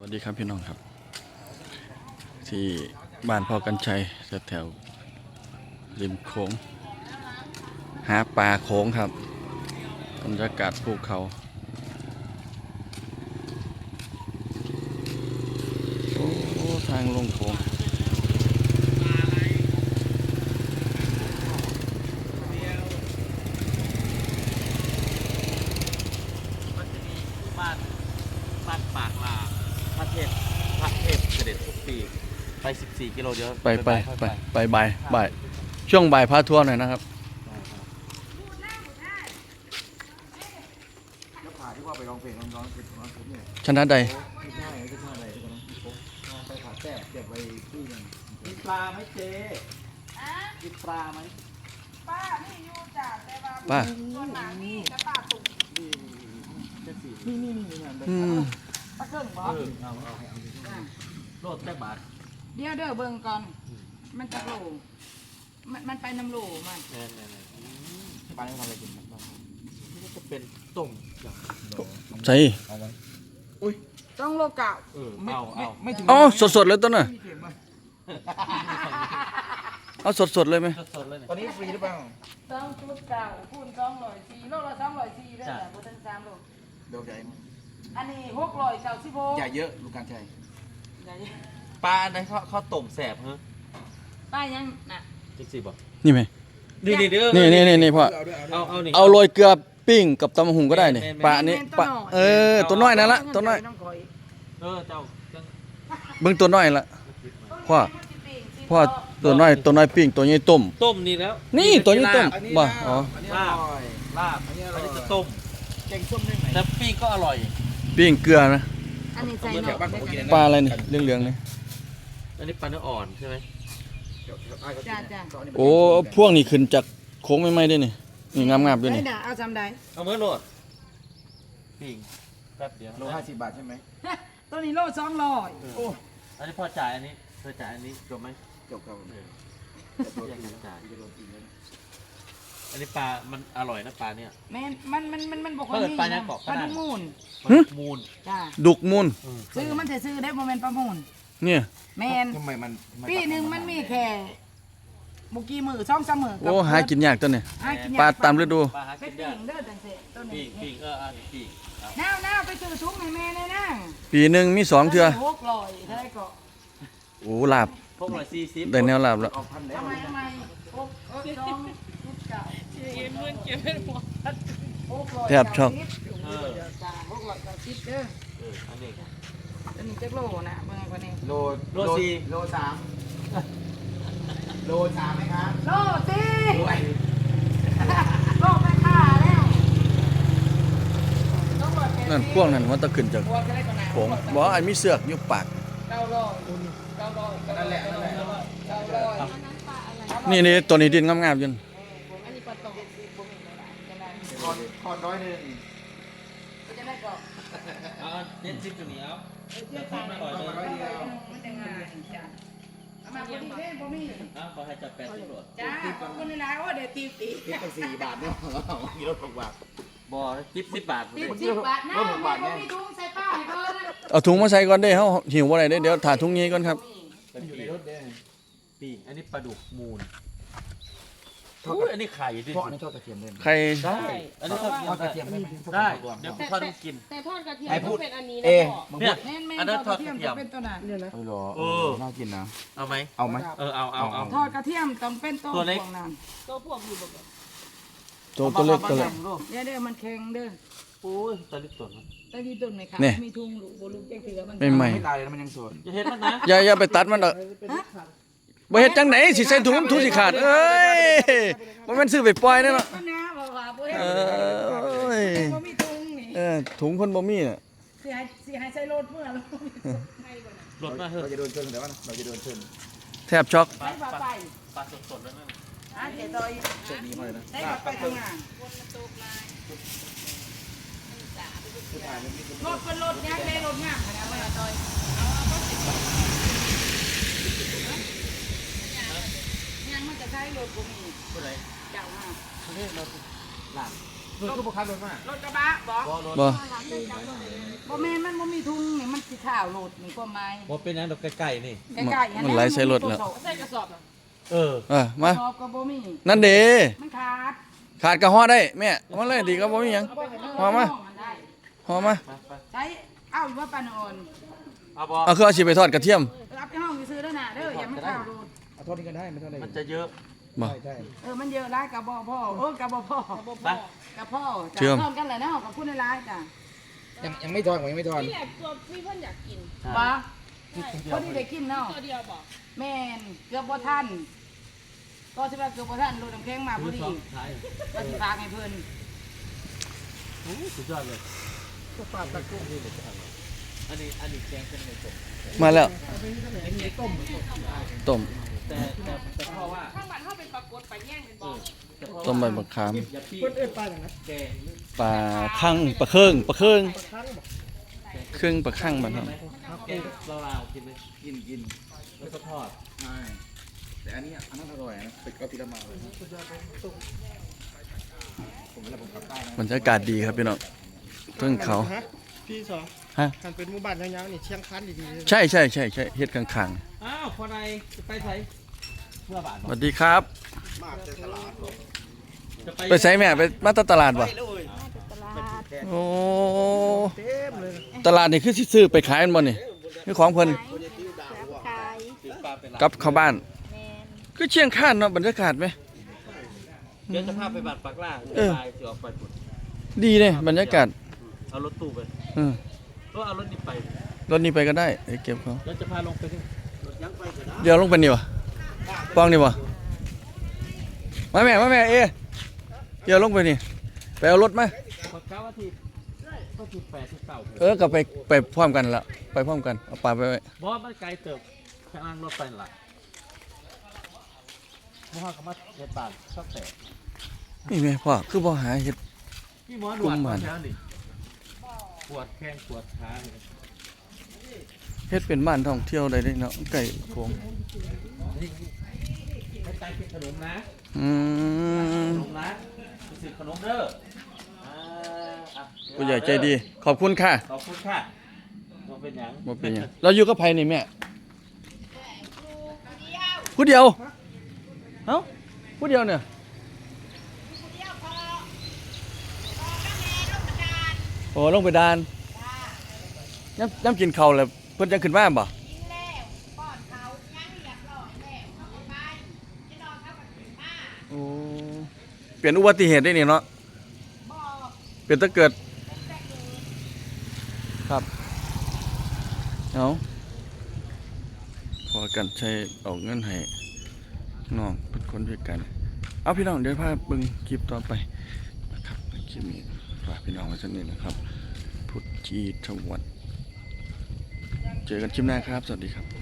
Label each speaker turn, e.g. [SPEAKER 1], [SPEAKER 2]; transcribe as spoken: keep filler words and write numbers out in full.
[SPEAKER 1] วัสดีครับพี่น้องครับ ที่บ้านพ่อกันชัยแถวริมโขงหาปลาโขงครับบรรยากาศภูเขาโอ้ทางลงโขง
[SPEAKER 2] บ้านบ้านปากลาพระเทพพระเทพเสด็จทุกปีไปสิบสี่กิโลเดียว
[SPEAKER 1] ไปไปไปไปบ่ายบ่ายช่วงบ่ายพาทัวร์หน่อยนะครับชนะใด
[SPEAKER 2] มีปลาไหมเจ๊มีปลาไหม
[SPEAKER 3] ป้านี่อยู่จ้ะแต่ว่า
[SPEAKER 1] ป้า
[SPEAKER 3] ส่วนหลังนี่จะป้าตุ่ม
[SPEAKER 2] นี่นี่นี่นี่
[SPEAKER 1] อืม
[SPEAKER 3] ป้าเกิ่งบอ
[SPEAKER 2] เออเอาเอาโลดแค่บาท
[SPEAKER 3] เดี๋ยวเด้อเบิ่งก่อน มันจะโหลมันมันไปน้ำโหลมัน
[SPEAKER 2] แน่แน่แน่ปลาไม่ทำอะไรกินบ้างนี่จะเป็นต้มอย่าง
[SPEAKER 1] ใส่
[SPEAKER 3] ต้องโลเก่า
[SPEAKER 2] เออเอาเอาไม่ถึง
[SPEAKER 1] อ๋อสดสดๆเลยต้นน่ะเอาสดสดๆเลยไหม
[SPEAKER 2] สดๆเลย
[SPEAKER 4] ตอนนี้ฟรีหรือเปล่า
[SPEAKER 3] ต้องชุดเก่าคูณสองร้อยสี่โลละสองร้อยสี่ได้แต่บนทั้งสามโล
[SPEAKER 4] เดี๋ยวใหญ่มั้ย
[SPEAKER 3] อันนี้หกร้อยเก้าสิบหก
[SPEAKER 4] ใหญ่เยอะลูกการชัย
[SPEAKER 2] ปลาอันนั้นเขาเขาต้มแสบเหรอ
[SPEAKER 3] ป้ายังน่ะ
[SPEAKER 2] จริงสิบอก
[SPEAKER 1] นี่ไหม
[SPEAKER 2] นี่นี่เด้อ
[SPEAKER 1] นี่นี่นี่นี่พ่อ
[SPEAKER 2] เอาเอานี่
[SPEAKER 1] เอาโรยเกลือปิ้งกับตำบักหุงก็ได้นี่ปลาอันนี้ปลาเออตัวน้อยนั่นละตัวน้อย
[SPEAKER 2] เออเจ้าจัง
[SPEAKER 1] เบิ่งตัวน้อยละพ่อพ่อตัวน้อยตัวน้อยปิ้งตัวใหญ่ต้ม
[SPEAKER 2] ต้มนี่แล้ว
[SPEAKER 1] นี่ตัวนี้ต้มบ่อ๋อ
[SPEAKER 4] อันนี้
[SPEAKER 2] ลา
[SPEAKER 4] อบ ร่อย
[SPEAKER 2] ลาบอันนี้จะต้ม
[SPEAKER 4] แกงส้มได้ไหม
[SPEAKER 2] แต่ปิ้งก็อร่อย
[SPEAKER 1] ปิ้งเกลือนะ
[SPEAKER 3] อันนี้ใส่
[SPEAKER 4] เหมือน
[SPEAKER 3] ห
[SPEAKER 4] แถ
[SPEAKER 3] น่อ
[SPEAKER 4] วบ้านผมก็กิน
[SPEAKER 1] ปลาอะไรนี่เหลืองๆนี่
[SPEAKER 2] อันนี้ปลาเนื้ออ่อนใช่ไหม
[SPEAKER 3] จ้าจ้า
[SPEAKER 1] โอ้พวกนี้ขึ้นจากโค้งไม่ไหม้ด้วยนี่นี่งามๆด้วย
[SPEAKER 3] ได้
[SPEAKER 1] นี่
[SPEAKER 3] ด่าเอาจำได้
[SPEAKER 2] เอาเมื่อโหลดปิ้งแป๊บเดียว
[SPEAKER 4] โลห้าสิบบาทใช่ไหม
[SPEAKER 3] ตัวนี้โลสองร้อย
[SPEAKER 4] โอ้
[SPEAKER 2] อันนี้พอจ่ายอันนี้เธอจ่ายอันนี้จบไหม
[SPEAKER 4] จบครับ
[SPEAKER 2] เออ
[SPEAKER 4] แต่ตัว
[SPEAKER 2] อยาก
[SPEAKER 4] จริง
[SPEAKER 2] จะจ่าย
[SPEAKER 4] จะโดนกินแล้ว
[SPEAKER 2] อันนี้ปลา มันอร่อยนะปลาเนี่ย
[SPEAKER 3] แม่นมันมันมันมันบอกว่า
[SPEAKER 2] เปิด
[SPEAKER 3] มี
[SPEAKER 2] ปลายังเกาะ
[SPEAKER 3] ปลา
[SPEAKER 2] ก็ได้
[SPEAKER 3] ดุกมูล
[SPEAKER 2] มูล
[SPEAKER 3] จ้า
[SPEAKER 1] ดุกมูล
[SPEAKER 2] เออ
[SPEAKER 3] ซื้อมันจะซื้อได้โมเมนต์ประมูล
[SPEAKER 1] เนี่ย
[SPEAKER 3] แมน
[SPEAKER 4] ทำไมมัน
[SPEAKER 3] ปีหนึ่งมันมีแค่บุกี้มือช่องเสมอ
[SPEAKER 1] โอ้หากินยากตัวนี่
[SPEAKER 3] หากินยก
[SPEAKER 1] ปลาตามฤดู
[SPEAKER 2] ปลาหา
[SPEAKER 3] ไป
[SPEAKER 2] กิน
[SPEAKER 3] ปิ้
[SPEAKER 2] ยาก
[SPEAKER 3] งเด้อจังเสต้น
[SPEAKER 2] ปิ้
[SPEAKER 3] นี้
[SPEAKER 2] งปิ้งเอออันนี้ปิ้งเอา
[SPEAKER 3] น้าวน้าวไปซื้อถุงให้แม่เลยนะ
[SPEAKER 1] ปีหนึ่งมีสองเทื่อ
[SPEAKER 3] หกร้อยเท่าไหรก็
[SPEAKER 1] โอ้ลาบ
[SPEAKER 2] พวกหน่อยซีซิป
[SPEAKER 1] ได้แนวลาบแล้ว
[SPEAKER 4] ออกพันแล้ว
[SPEAKER 3] ทำไมทำไมหกหกสองชุดเก่าหกร้อย
[SPEAKER 1] แทบช็อก
[SPEAKER 2] เออ
[SPEAKER 3] จ้าหกร้อยเก้าสิบเด้อ
[SPEAKER 2] เอออันนี้
[SPEAKER 3] ตัวนี้จักโลนะเบิ่งคนนี้
[SPEAKER 4] โล
[SPEAKER 2] โลสี่
[SPEAKER 4] โลสามโลสามไหมครับ
[SPEAKER 3] โลสี่
[SPEAKER 4] ด้วย
[SPEAKER 3] โลไปค่าแล้วต้องหมดแค่
[SPEAKER 1] นั่นพวกนั้นมันต้องขึ้นจาก
[SPEAKER 3] พวกจะได้ก่อนนะ
[SPEAKER 1] โขงบอกว่าไอ้มีเสือกอยู่ปาก
[SPEAKER 3] เก้าร้อยเก้าร้อย
[SPEAKER 4] นั่นแหละนั่นแหละ
[SPEAKER 3] เก้าร้อย
[SPEAKER 1] นี่นี่ตัวนี้ดินงามๆอยัน
[SPEAKER 3] อันนี้ปลาตองบ่มีเวลาจะได้
[SPEAKER 4] คอนคอนร้อยหนึ่ง
[SPEAKER 3] จะได้ก็
[SPEAKER 2] เอาเจ็ดสิบตัวนี้เอาจะทำอร่อย
[SPEAKER 4] คอน
[SPEAKER 2] เลย
[SPEAKER 4] ร้อยเดียว
[SPEAKER 3] มันจะง่ายจ้ะเอามาพอดีเด้บ่มี
[SPEAKER 2] เอาขอให้จับแปดสิบโหลด
[SPEAKER 3] จ้าขอบคุณหลายๆโอ้เดี๋ยวตีตี
[SPEAKER 4] คิดตั้งสี่บาทเนี่ยกิโลหกบาท
[SPEAKER 2] บอสิบสิบบาท
[SPEAKER 3] ตีสิบบาทนะแม่บ่มีถุงใส่ป้าให้เพิ่นนะ
[SPEAKER 1] เอาถุงมาใส่ก่อนได้เฮาหิวบ่ได้เด้เดี๋ยวถ่าถุงนี้ก่อนครับ
[SPEAKER 4] มันอยู่ในรถเนี่ย
[SPEAKER 2] ปิ้งอันนี้ปลาดุกมูลอุ้ยอันนี้ไข่ดิ
[SPEAKER 4] เพราะอันนี้ทอดกระเทียมเลย
[SPEAKER 1] ใคร
[SPEAKER 2] ได้อันนี้ทอด
[SPEAKER 4] ทอดกระเทียมได้ไหม
[SPEAKER 2] ได้ เดี๋ยวทอดให้กิน
[SPEAKER 5] แต่ทอดกระเทียม
[SPEAKER 4] ไอ้
[SPEAKER 5] ต้
[SPEAKER 4] พู
[SPEAKER 5] อ
[SPEAKER 4] ด
[SPEAKER 5] งเป็นอันนี้
[SPEAKER 4] เอ
[SPEAKER 5] นะพ่อ
[SPEAKER 4] มึง
[SPEAKER 2] เนี่
[SPEAKER 4] พู
[SPEAKER 2] ย
[SPEAKER 4] ด
[SPEAKER 3] แม่นแม่
[SPEAKER 2] อันนั้นทอดกระเทียม
[SPEAKER 3] จะเป็นตัวนั้น
[SPEAKER 4] เออเหรอ
[SPEAKER 2] เออ
[SPEAKER 4] น่ากินนะ
[SPEAKER 2] เอาไหม
[SPEAKER 4] เอาไหม
[SPEAKER 2] เออเอาเอาเอา
[SPEAKER 3] ทอดกระเทียมต้องเป็นตัว
[SPEAKER 2] ตัวเล็ก
[SPEAKER 3] พวนั้น
[SPEAKER 5] ตัวพวกอยู่แบบ
[SPEAKER 1] ตัวตัวเล็กตัวเล็ก
[SPEAKER 3] เดี๋ยวเด้อมันแข็งเด้อ
[SPEAKER 2] โอ้ยตะลิดตัวมัน
[SPEAKER 3] ตะกี้ต้นไหมคะ
[SPEAKER 1] นี่
[SPEAKER 3] มีถุงลูกบ่ลูกจังซี่แล้วมัน
[SPEAKER 1] ไม่ใหม่
[SPEAKER 4] ไม่ตายเลยนะมันยังสด
[SPEAKER 2] จะเห็นมันนะ
[SPEAKER 1] อย่าอย่าไปตัดมันเด้อบ่เฮ็ดจังไหนสิใส่ถุงถุงสิขาดเอ้ยบ่แม่นซื้อไปปล่อยแน่เนาะ
[SPEAKER 3] มันนะบ่ว่าบ่เฮ็ด
[SPEAKER 1] เอ้ย
[SPEAKER 3] บ่มีถุงนี่
[SPEAKER 1] เออถุงเพิ่นบ่มีน่ะ
[SPEAKER 3] สิให้สิให้ใส่รถเมื่อแล้ว
[SPEAKER 2] หลดมาเถ
[SPEAKER 4] เรา
[SPEAKER 2] อะ
[SPEAKER 4] จะโดนชนแต่ว่าเราจะโดนชน
[SPEAKER 1] แทบช็อก
[SPEAKER 2] ปลา
[SPEAKER 3] ใส่
[SPEAKER 2] ป
[SPEAKER 3] ปลา
[SPEAKER 2] ลา
[SPEAKER 3] ไป
[SPEAKER 2] ปลาสดๆแล้วนั่น
[SPEAKER 3] อ่ะเจ๊ตอย
[SPEAKER 4] เสร็จดีมากเลยนะ
[SPEAKER 3] ใส่ปลาไปทำงานรถเป็นรถยางเลยรถงามขนาดว่าตอยยังมันจะใช้รถบ่มี
[SPEAKER 2] ผู้ใด
[SPEAKER 3] เจ้ามา
[SPEAKER 2] เขาเรียกเราหลัง
[SPEAKER 4] รถก็บุกขับรถมาร
[SPEAKER 3] ถกระบะบอก
[SPEAKER 2] บ่รถ
[SPEAKER 1] บ่
[SPEAKER 3] บ่แม่นมันบ่มีทุ่งนี่มันสิข้าวโหลดนี่ก็ไม้
[SPEAKER 2] บ่เป็นหยังดอกไก่ๆนี่
[SPEAKER 3] ใกล้ๆอั
[SPEAKER 1] มันไหลใส่รถแล้ว
[SPEAKER 3] ใส่กระสอบ
[SPEAKER 2] เออ
[SPEAKER 1] เออมา
[SPEAKER 3] กระสอบก็บ่มี
[SPEAKER 1] นั่นเด้
[SPEAKER 3] มันขาด
[SPEAKER 1] ขาดกระห่อได้แม่เอามาเลยดีก็บ่มีหยัง พอมา
[SPEAKER 3] นได้
[SPEAKER 1] ห่อมา
[SPEAKER 2] ไปไป
[SPEAKER 3] ใช้เอาอยู่ว่าปานอ่อน
[SPEAKER 2] เอาบ่
[SPEAKER 1] เอาคือเอาสิไปทอดกระเทียม
[SPEAKER 3] รับไปห้องซื้อแล้วน่ะเด้ออย่ามันข้าวโหลด
[SPEAKER 4] เอาโทษนี้กันได้ไม่เท่าไหร่
[SPEAKER 2] มันจะเยอะ
[SPEAKER 1] บ่
[SPEAKER 4] ใช่ใช่
[SPEAKER 3] เออมันเยอะหลายกับบ่พ่อเออกับบ่พ่อ
[SPEAKER 2] ไป
[SPEAKER 3] กับพ่อ
[SPEAKER 1] เชื่อม
[SPEAKER 3] พร้อมกันแหละเนาะกับพูดในไลน์จ้ะ
[SPEAKER 4] ยังยังไม่ทอนผมยังไม่ทอน
[SPEAKER 5] นี่แหละตัวพี่เพื่อนอยากกิน
[SPEAKER 3] บ่
[SPEAKER 5] ใช่
[SPEAKER 3] พอดีได้กินเนาะ
[SPEAKER 5] ตัวเดียวบอก
[SPEAKER 3] แม่นเกือบบ่ทันก็สิว่าเกือบบ่ทันรถน้ำแข็งมาพอดี
[SPEAKER 2] ท้าย
[SPEAKER 3] ว่าสิฝากให้เพิ่น
[SPEAKER 2] โอ้สุดยอดเลยก็ปลาตะกุ้งนี่เลยอันนี้อันนี้แกงเป็นไงจบ
[SPEAKER 1] มาแล้ว
[SPEAKER 2] อันนี้ต้ม
[SPEAKER 1] ต้ม
[SPEAKER 2] แต่แต่แต่พ่อว่า
[SPEAKER 5] ข้างบ้านเข้าเป็นปรากฏไปแย่งเป็นบอก
[SPEAKER 2] แต่พ่อ
[SPEAKER 1] ต้มใบมะขาม
[SPEAKER 2] อย่าพี่
[SPEAKER 4] คนอื่นปลาอย่างนั้น
[SPEAKER 2] แกง
[SPEAKER 1] ปลาคั่งปลาเครื่องปลาเครื่องเครื่องปลาคั่งบ้านเฮา
[SPEAKER 2] แกงเราลาวกินไหมกินกินแล้วก็ทอด
[SPEAKER 4] ใช่แต่อันนี้อันนั้นอร่อยนะเป็ดก็ทีละมาเลยผมเวลาผมกลับใต้นะ
[SPEAKER 1] บรรยากาศดีครับพี่น้องเพิ่งเขา
[SPEAKER 6] พี่สอ
[SPEAKER 1] ฮะ
[SPEAKER 6] คันเป็นหมู่บ้านยาวๆนี่เชียงคันดีๆเลย
[SPEAKER 1] ใช่ใช่ใช่ใช่เฮ็ดข้าง
[SPEAKER 2] อ้าวพอใดจะไปใส่เมื่อบาท
[SPEAKER 1] ๆสวัสดีครับ
[SPEAKER 2] จะไป
[SPEAKER 1] ไปไสแม่ไปมาตตลาดบ่โอ้
[SPEAKER 6] เต็มเลย
[SPEAKER 1] ตลาดนี่คือสิซื้อไปขายมันบ่นี่คือของเพิ่น
[SPEAKER 5] ขาย
[SPEAKER 2] ซื้อปลาเป็นหลัก
[SPEAKER 1] กลับเข้าบ้าน
[SPEAKER 5] แมน
[SPEAKER 1] คือเชียงคานเนาะบรรยากาศไหม
[SPEAKER 2] เดี๋ยวจะพาไปบาดปักล่าง
[SPEAKER 1] เออ
[SPEAKER 2] ไปจะออกไปปุ่น
[SPEAKER 1] ดีเลยบรรยากาศ
[SPEAKER 2] เอารถตู้ไป
[SPEAKER 1] เออ
[SPEAKER 2] ก็เอารถนี้ไป
[SPEAKER 1] รถนี้ไปก็ได้ไอ้เก็บเขา
[SPEAKER 2] แล้วจะพาลงไปที่รถยังไปก็ได้
[SPEAKER 1] เดี๋ยวลงไปนี่วะปองนี่วะมาแม่มาแม่เอเดี๋ยวลงไปนี่ไปเอารถมา
[SPEAKER 2] ขอเก้าอาทิตย์ก็คือแปดสิบเก้า
[SPEAKER 1] เออก็ไปไปพร้อมกันละไปพร้อมกันเอาปลาไปไว้
[SPEAKER 2] บอสมันไกลเติบข้างล่างรถไปนั่นล่ะเมื่อวานก็มาเฮ็ดบานชอบแตก
[SPEAKER 1] นี่แม่พ่อคือบ่หาเฮ็ด
[SPEAKER 2] พี่หมอหน
[SPEAKER 1] กุ
[SPEAKER 2] วด
[SPEAKER 1] ม
[SPEAKER 2] มา
[SPEAKER 1] มัน
[SPEAKER 2] เช้านี่ปวดแข้งปวดขาเลย
[SPEAKER 1] เฮ็ดเป็นบ้านท่องเที่ยวได้เด้เนาะไก่โขง
[SPEAKER 2] นี่ไม่ใจกินขนมนะ
[SPEAKER 1] อืม
[SPEAKER 2] ขนมนะไปซื้อขนมเด้ออ่าอ่ะ
[SPEAKER 1] ผู้ใหญ่ใจดี ขอบคุณค่ะ
[SPEAKER 2] ขอบคุณค่ะบ่เป็นหยัง
[SPEAKER 1] บ่เป็นหยังเราอยู่กับไผนี่แม่ผู้เดียวเอ้าผู้เดียวเนี่ยโอ้ลงไปดานย้ำย้ำกินข้าวแล้วเพิ่นจังขึ้นมาบ่โอ้เปลี่ยนอุบัติเหตุได้นี่เนาะเปลี่ยนถ้าเกิดครับเอาพอกันใช้เอาเงินให้น้องเป็นคนพิการเอาพี่น้องเดี๋ยวพาเบิ่งคลิปต่อไปนะครับคลิปนี้ฝากพี่น้องไว้สักนิดนะครับพุทธจีทวัฒน์เจอกันคลิปหน้าครับสวัสดีครับ